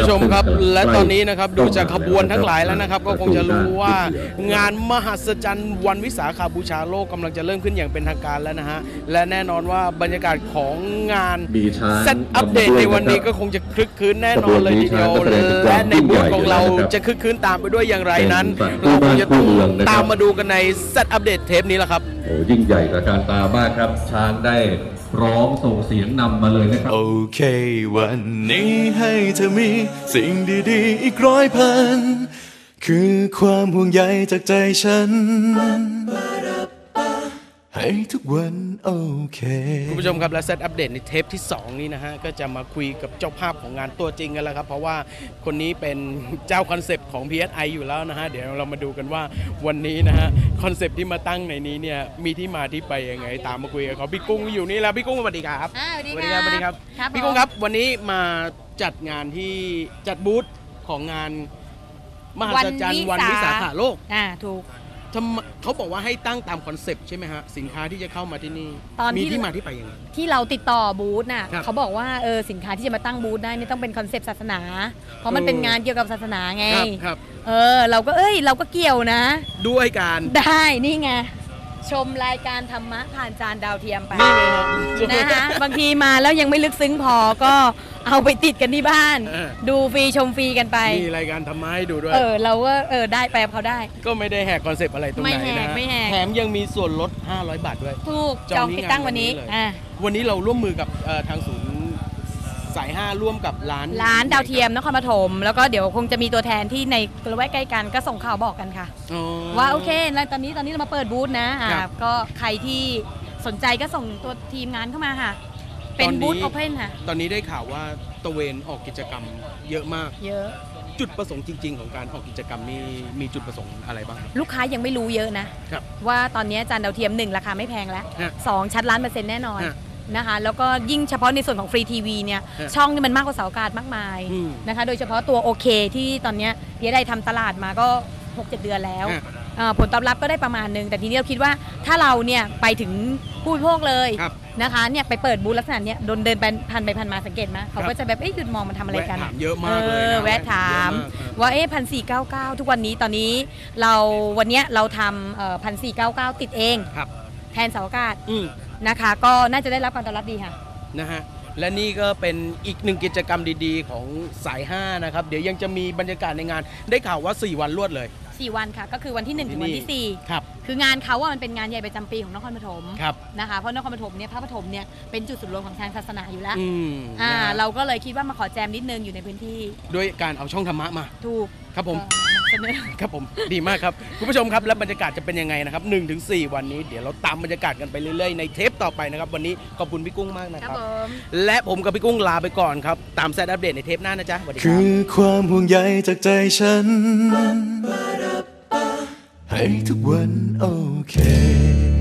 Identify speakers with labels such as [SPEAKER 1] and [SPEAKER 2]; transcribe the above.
[SPEAKER 1] ชมครับและตอนนี้นะครับดูจากขบวนทั้งหลายแล้วนะครับก็คงจะรู้ว่างานมหัศจรรย์วันวิสาขบูชาโลกกำลังจะเริ่มขึ้นอย่างเป็นทางการแล้วนะฮะและแน่นอนว่าบรรยากาศของงานเซตอัปเดตในวันนี้ก็คงจะคลึกคลื้นแน่นอนเลยทีเดียวและในบูธของเราจะคลึกคลื้นตามไปด้วยอย่างไรนั้นเราคงจะต้องตามมาดูกันในเซตอัปเดตเทปนี้แหละครับ
[SPEAKER 2] โอ้ยิ่งใหญ่กับการตามากครับช้างได้ร้องส่งเสียงนำมาเลยนะครับ
[SPEAKER 3] โอเควันนี้ให้เธอมีสิ่งดีๆอีก100,000คือความห่วงใยจากใจฉันให้ทุกวันโอเค
[SPEAKER 1] คุณผู้ชมครับและเซตอัปเดตในเทปที่2นี้นะฮะก็จะมาคุยกับเจ้าภาพของงานตัวจริงกันแล้วครับเพราะว่าคนนี้เป็นเจ้าคอนเซปต์ของ PSI อยู่แล้วนะฮะเดี๋ยวเรามาดูกันว่าวันนี้นะฮะคอนเซปต์ที่มาตั้งในนี้เนี่ยมีที่มาที่ไปยังไงตามมาคุยกับเขาพี่กุ้งอยู่นี่แล้วพี่กุ้งสวัสดีครับ
[SPEAKER 4] สวัสดีครับสวัสดีครับ
[SPEAKER 1] พี่กุ้งครับวันนี้มาจัดงานที่จัดบูธของงานมหัศจรรย์วันวิสาขโลก
[SPEAKER 4] ถูก
[SPEAKER 1] เขาบอกว่าให้ตั้งตามคอนเซปต์ใช่ไหมฮะสินค้าที่จะเข้ามาที่นี่มีที่มาที่ไปยังไง
[SPEAKER 4] ที่เราติดต่อบูธน่ะเขาบอกว่าสินค้าที่จะมาตั้งบูธได้นี่ต้องเป็นคอนเซปต์ศาสนาเพราะมันเป็นงานเกี่ยวกับศาสนาไงเราก็เกี่ยวนะ
[SPEAKER 1] ด้วยการ
[SPEAKER 4] ได้นี่ไงชมรายการธรรมะผ่านจานดาวเทียมไปนะคะบางทีมาแล้วยังไม่ลึกซึ้งพอก็เอาไปติดกันที่บ้านดูฟรีชมฟรีกันไป
[SPEAKER 1] มีรายการธรรมะให้ดูด้วย
[SPEAKER 4] เราก็ได้ไปเขาได้
[SPEAKER 1] ก็ไม่ได้แหกคอนเซปต์อะไรตรงไหนนะ
[SPEAKER 4] ไม่แหก
[SPEAKER 1] แถมยังมีส่วนลด500 บาทด้วย
[SPEAKER 4] ถูกจองติดตั้งวันนี้
[SPEAKER 1] วันนี้เราร่วมมือกับทางศูนย์สาย5ร่วมกับร้าน
[SPEAKER 4] ดาวเทียมนครปฐมแล้วก็เดี๋ยวคงจะมีตัวแทนที่ในละแวกใกล้กันก็ส่งข่าวบอกกันค่ะว่าโอเคแล้วตอนนี้เรามาเปิดบูธนะก็ใครที่สนใจก็ส่งตัวทีมงานเข้ามาค่ะเป็นบูธโอเพนค่ะ
[SPEAKER 1] ตอนนี้ได้ข่าวว่าตะเวนออกกิจกรรมเยอะมาก
[SPEAKER 4] เยอะ
[SPEAKER 1] จุดประสงค์จริงๆของการออกกิจกรรมนี่มีจุดประสงค์อะไรบ้าง
[SPEAKER 4] ลูกค้ายังไม่รู้เยอะนะว่าตอนนี้จานดาวเทียม1ราคาไม่แพงแล้ว2ชัด1,000,000%แน่นอนนะคะแล้วก็ยิ่งเฉพาะในส่วนของฟรีทีวีเนี่ยช่องนี่มันมากกว่าเสาอากาศมากมายนะคะโดยเฉพาะตัวโอเคที่ตอนนี้ได้ทำตลาดมาก็ 6-7 เดือนแล้วผลตอบรับก็ได้ประมาณนึงแต่ทีนี้เราคิดว่าถ้าเราเนี่ยไปถึงผู้บริโภคเลยนะคะเนี่ยไปเปิดบูธลักษณะเนี้ยเดินผ่านมาสังเกตไหมเขาก็จะแบบหยุดมองมันทำอะไรกัน
[SPEAKER 1] เยอะมากเลย
[SPEAKER 4] แวะถามว่า1,499ทุกวันนี้ตอนนี้วันนี้เราทำ1,499ติดเองแทนเสาอากาศนะคะก็น่าจะได้รับการตอบรับดีค่ะ
[SPEAKER 1] นะฮะและนี่ก็เป็นอีกหนึ่งกิจกรรมดีๆของสาย5นะครับเดี๋ยวยังจะมีบรรยากาศในงานได้ข่าวว่า4 วันรวดเลย
[SPEAKER 4] 4 วันค่ะก็คือวันที่1ถึงวันที่4ครับคืองานเขาว่ามันเป็นงานใหญ่ประจำปีของนครปฐมนะคะเพราะนครปฐมเนี่ยพระปฐมเนี่ยเป็นจุดศูนย์รวมของทางศาสนาอยู่แล้วเราก็เลยคิดว่ามาขอแจมนิดนึงอยู่ในพื้นที่
[SPEAKER 1] ด้วยการเอาช่องธรรมะมา
[SPEAKER 4] ถูก
[SPEAKER 1] ครับผมครับผมดีมากครับคุณผู้ชมครับและบรรยากาศจะเป็นยังไงนะครับ1 ถึง 4วันนี้เดี๋ยวเราตามบรรยากาศกันไปเรื่อยๆในเทปต่อไปนะครับวันนี้ขอบคุณพี่กุ้งมากนะครับและผมกับพี่กุ้งลาไปก่อนครับตามแซดอัปเดตในเทปหน้านะจ๊ะสวัสดีครับ
[SPEAKER 3] คือความห่วงใยจากใจฉันให้ทุกวันโอเค